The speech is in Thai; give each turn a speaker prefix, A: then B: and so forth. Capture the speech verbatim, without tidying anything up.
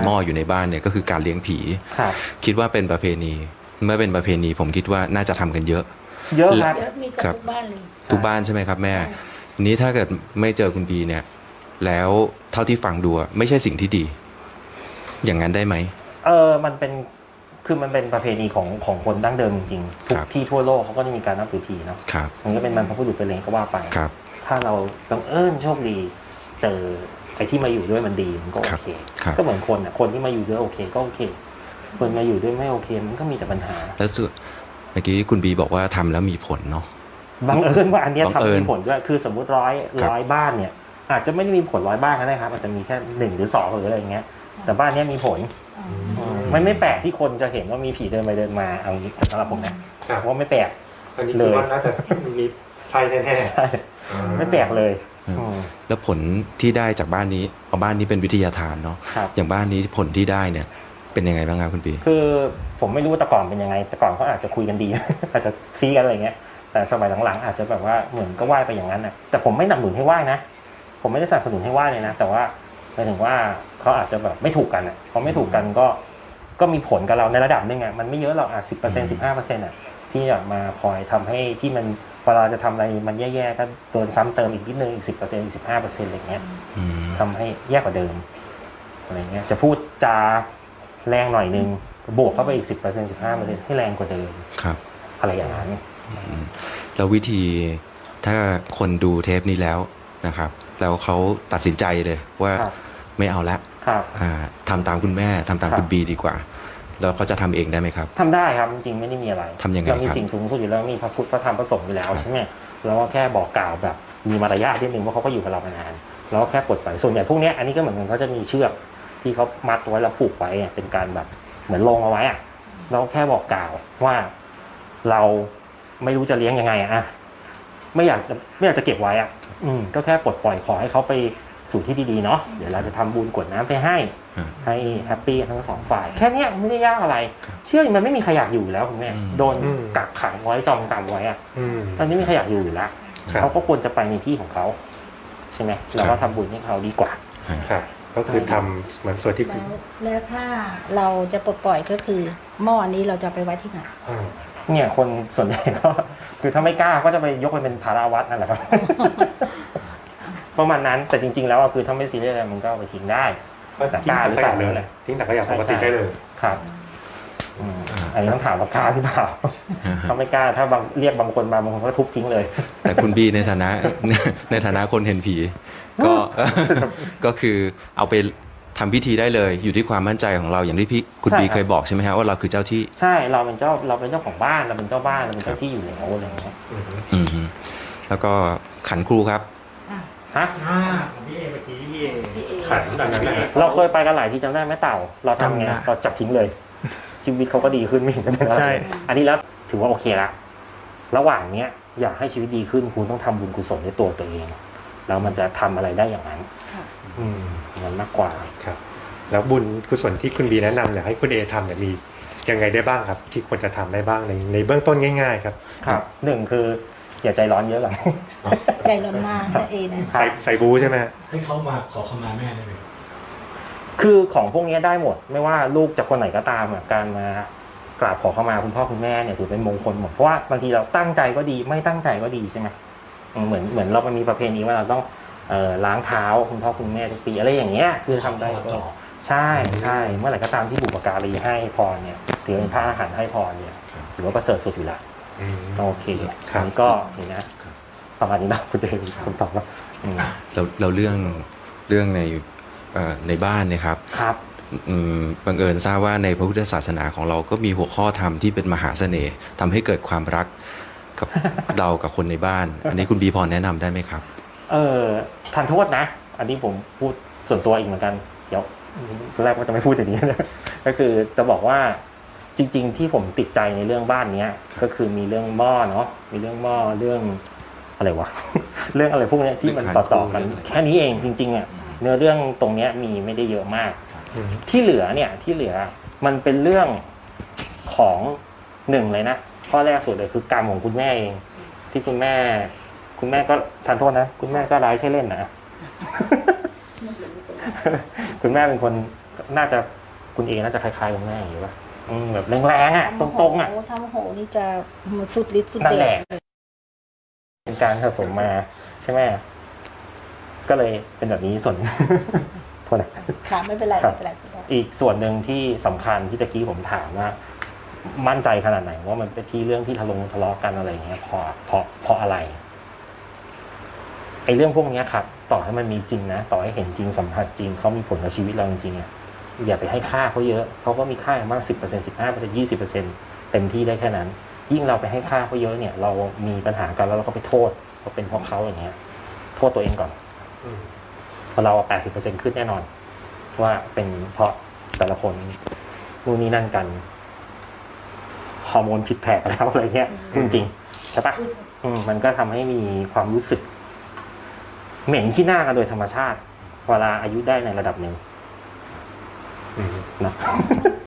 A: หม้ออยู่ในบ้านเนี่ยก็คือการเลี้ยงผีคิดว่าเป็นประเพณีเมื่อเป็นประเพณีผมคิดว่าน่าจะทำกันเยอะ
B: เยอะครับ
C: เยอะมีกับทุกบ้านเลย
A: ทุกบ้านใช่ไหมครับแม่นี้ถ้าเกิดไม่เจอคุณบีเนี่ยแล้วเท่าที่ฟังดูไม่ใช่สิ่งที่ดีอย่างนั้นได้ไหม
B: เออมันเป็นคือมันเป็นประเพณีของของคนดั้งเดิมจริงๆทุกที่ทั่วโลกเขาก็จะมีการนับถือผีเนาะมันก็เป็นบรรพบุรุษไปเลยก็ว่าไปถ้าเราบังเอิญโชคดีเจอไอ้ที่มาอยู่ด้วยมันดีมันก็โอเคก็เหมือนคนอ่ะคนที่มาอยู่ด้วยโอเคก็โอเคคนมาอยู่ด้วยไม่โอเคมันก็มีแต่ปัญหา
A: แล้วสุดเมื่อกี้คุณบีบอกว่าทำแล้วมีผลเนาะ
B: บังเอิญว่าอันนี้ทำมีผลด้วยคือสมมุติร้อยร้อยบ้านเนี่ยอาจจะไม่ได้มีผลร้อยบ้านก็ได้ครับอาจจะมีแค่หนึ่งหรือสองหรืออะไรอย่างเงี้ยแต่บ้านนี้มีผลมันไม่แปลกที่คนจะเห็นว่ามีผีเดินไปเดินมาเอางี้สำหรับผมนะว่าไม่แปลก
D: อันนี้คือว่าน่าจะมีใช่แน่
B: ๆใช่ไม่แปลกเลย
A: แล้วผลที่ได้จากบ้านนี้เอาบ้านนี้เป็นวิทยาทานเนาะอย่างบ้านนี้ผลที่ได้เนี่ยเป็นยังไงบ้างครับคุณปี
B: คือผมไม่รู้แต่ก่อนเป็นยังไงแต่ก่อนเขาอาจจะคุยกันดีอาจจะซีกันอะไรเงี้ยแต่สมัยหลังๆอาจจะแบบว่าเหมือนก็ไหว้ไปอย่างนั้นนะแต่ผมไม่หนับหนุนให้ไหว้นะผมไม่ได้สนับสนุนให้ไหว้เลยนะแต่ว่าหมายถึงว่าเขาอาจจะแบบไม่ถูกกันอ่ะพอไม่ถูกกันก็ก็มีผลกับเราในระดับนึงอ่ะมันไม่เยอะหรอกอ่ะสิบเปอร์เซ็นต์สิบห้าเปอร์เซ็นต์อ่ะที่จะมาคอยทำให้ที่มันเวลาจะทำอะไรมันแย่ๆก็โดนซ้ำเติมอีกนิดนึงอีกสิบเปอร์เซ็นต์อีกสิบห้าเปอร์เซ็นต์อะไรเงี้ยทำให้แย่กว่าเดิมอะไรเงี้ยจะพูดจาแรงหน่อยนึงบวกเข้าไปอีกสิบเปอร์เซ็นต์สิบห้าเปอร์เซ็นต์ให้แรงกว่าเดิม
A: ครับ
B: อะไรอย่างนั้น
A: แล้ววิธีถ้าคนดูเทปนี้แล้วนะครับแล้วเขาตัดสินใจเลยว่าไม่เอาละทำตามคุณแม่ทำตามคุณบีดีกว่าแล้วเขาจะทำเองได้ไหมครับ
B: ทำได้ครับจริงๆไม่ได้มีอะไร
A: ทำยังไง
B: เรามีสิ่งสูงสุดอยู่แล้วมีพระพุทธพระธรรมพระสงฆ์อยู่แล้วใช่ไหมเราก็แค่บอกกล่าวแบบมีมารยาทนิดนึงว่าเขาก็อยู่กับเรามานานเราก็แค่ปลดปล่อยส่วนใหญ่พวกนี้อันนี้ก็เหมือนกันเขาจะมีเชือกที่เขามัดไว้แล้วผูกไว้เป็นการแบบเหมือนลงเอาไว้อะเราแค่บอกกล่าวว่าเราไม่รู้จะเลี้ยงยังไงอะไม่อยากจะไม่อยากจะเก็บไว้อะอืมก็แค่ปลดปล่อยขอให้เขาไปสู่ที่ดีๆเนาะเดี๋ยวเราจะทำบุญกรวดน้ำไปให้ให้แฮปปี้ทั้งสองฝ่ายแค่นี้ไม่ได้ยากอะไรเชื่อมันไม่มีใครอยากอยู่แล้วคุณแม่โดนกักขังไว้จองจำไว้อะอันนี้ไม่ใครอยากอยู่อยู่แล้วเขาก็ควรจะไปในที่ของเขาใช่ไหมเราก็ทำบุญให้เขาดีกว่า
D: ครับก็คือทำเหมือนส่วนที่
C: แล้วถ้าเราจะปลดปล่อยก็คือหม้อนี้เราจะไปไว้ที่ไหน
B: เนี่ยคนส่วนใหญ่ก็คือถ้าไม่กล้าก็จะไปยกไปเป็นภาราวัดนั่นแหละครับประมาณนั้นแต่จริงๆแล้วคือถ้าไม่ซีเรียสอะไรมันก็ไปทิ้งได้
D: แต่กล้าหรือเปล่าเลยทิ้งแต่ก็อย่างปกติได้เลย
B: ครับอันนี้ต้องถามว่ากล้าหรือเปล่าถ้าไม่กล้าถ้าบางเรียกบางคนมาบางคนก็ทุบทิ้งเลย
A: แต่คุณบีในฐานะในฐานะคนเห็นผีก็ก็คือเอาไปทำพิธีได้เลยอยู่ที่ความมั่นใจของเราอย่างที่พี่คุณบีเคยบอกใช่ไหมฮะว่าเราคือเจ้าที่
B: ใช่เราเป็นเจ้าเราเป็นเจ้าของบ้านเราเป็นเจ้าบ้านเราเป็นเจ้าที่อยู่แล้วอะไรอย่างเงี้ย
A: อืมแล้วก็ขันครูครับ
B: ฮะ
E: ของพี่เอเมื่อกี้พี่เอ
D: ขันแบบนั้น
B: เราเคยไปกันหลายที่จำได้ไหมเต่าเราทำไงเราจับทิ้งเลยชีวิตเขาก็ดีขึ้นไม่เห็นเป็นอะไรอันนี้แล้วถือว่าโอเคละระหว่างเนี้ยอยากให้ชีวิตดีขึ้นคุณต้องทำบุญกุศลในตัวตัวเองแล้วมันจะทำอะไรได้อย่างนั้นอืมมันมากกว่า
D: ครับแล้วบุญกุศลที่คุณบีแนะนำอยากให้คุณเอทำเนี่ยมียังไงได้บ้างครับที่ควรจะทำได้บ้างในในเบื้องต้นง่ายๆครับ
B: ครับหนึ่งคืออย่าใจร้อนเยอะหรอก
C: ใจร้อนมากนะเอนะ
D: ใส่ใส่บูใช่ไหม
E: ให้เขามาขอขมาแม่ได้ไหม
B: คือของพวกนี้ได้หมดไม่ว่าลูกจากคนไหนก็ตามการมากราบขอขมาคุณพ่อคุณแม่เนี่ยถือเป็นมงคลหมดเพราะว่าบางทีเราตั้งใจก็ดีไม่ตั้งใจก็ดีใช่ไหมเหมือนเหมือนเรามีประเพณีว่าเราต้องเอ่อล้างเท้าคุณพ่อคุณแม่ทุกปีอะไรอย่างเงี้ยคือทำได้ก็ใช่ใช่เมื่อไหร่ก็ตามที่บุปการีให้พรเนี่ยถือเป็นพระอาหารให้พรเนี่ยถือว่าประเสริฐสุดอยู่แล้วโอเคอันนี้ก็นี่นะประมาณนี้นะคุณเดชคำตอบแล้ว
A: เราเราเรื่องเรื่องในในบ้านเนี่ยครับ
B: ครับ
A: บังเอิญทราบว่าในพระพุทธศาสนาของเราก็มีหัวข้อธรรมที่เป็นมหาเสน่ห์ทำให้เกิดความรักกับเรากับคนในบ้านอันนี้คุณบีพรแนะนำได้ไหมครับ
B: เออทานโทษนะอันนี้ผมพูดส่วนตัวอีกเหมือนกันเดี๋ยวตอนแรกว่าจะไม่พูดอย่างนี้นะก็คือจะบอกว่าจริงๆที่ผมติดใจในเรื่องบ้านนี้ก็คือมีเรื่องหม้อเนาะมีเรื่องหม้อเรื่องอะไรวะเรื่องอะไรพวกนี้ที่มันต่อๆกันแค่นี้เองจริงๆอ่ะเนื้อเรื่องตรงนี้มีไม่ได้เยอะมากที่เหลือเนี่ยที่เหลือมันเป็นเรื่องของหนึ่งเลยนะข้อแรกสุดเลยคือกรรมของคุณแม่เองที่คุณแม่คุณแม่ก็ทานโทษนะคุณแม่ก็ร้ายใช่เล่นนะคุณแม่เป็นคนน่าจะคุณเอน่าจะคล้ายๆคุณแม่อย่างนี้ป่ะอืมแบบแรงๆอ่ะตรงๆอ่ะ
C: ทำโหนี่จะสุดฤทธิ์สุด
B: นั่น
C: เด
B: แหละ
C: ช
B: เป็นการสะสมมาใช่ไหมก็เลยเป็นแบบนี้ส่วน โทษนะ
C: ค่ะไม่เป็นไร
B: ครับ
C: ไม่เป็นไรพี่บอย
B: อีกส่วนหนึ่งที่สำคัญที่ตะกี้ผมถามว่า มั่นใจขนาดไหนว่ามันเป็นที่เรื่องที่ทะลงทะเลาะกันอะไรอย่างเงี้ยเพราะเพราะเพราะอะไรไอ้เรื่องพวกเนี้ยครับ ต่อให้มันมีจริงนะต่อให้เห็นจริงสัมผัสจริงเขามีผลกับชีวิตเราจริงๆอ่ะอย่าไปให้ค่าเขาเยอะเขาก็มีค่าอย่างมากสิบเปอร์เซ็นต์สิบห้าเปอร์เซ็นต์ยี่สิบเปอร์เซ็นต์เต็มที่ได้แค่นั้น ยิ่งเราไปให้ค่าเขาเยอะเนี่ย เรามีปัญหากันแล้วเราก็ไปโทษว่าเป็นเพราะเขาอย่างเงี้ย โทษตัวเองก่อน
D: อืม
B: เพราะเราแปดสิบเปอร์เซ็นต์ขึ้นแน่นอน ว่าเป็นเพราะแต่ละคนนู่นนี่นั่นกันฮอร์โมนผิดแผกแล้วอะไรเงี้ยจริงๆใช่ปะอืมมันก็ทำให้มีความรู้สึก เหม็นขี้หน้ากันโดยธรรมชาติเวลาอายุได้ในระดับหนึ่ง
D: อืม
B: นะ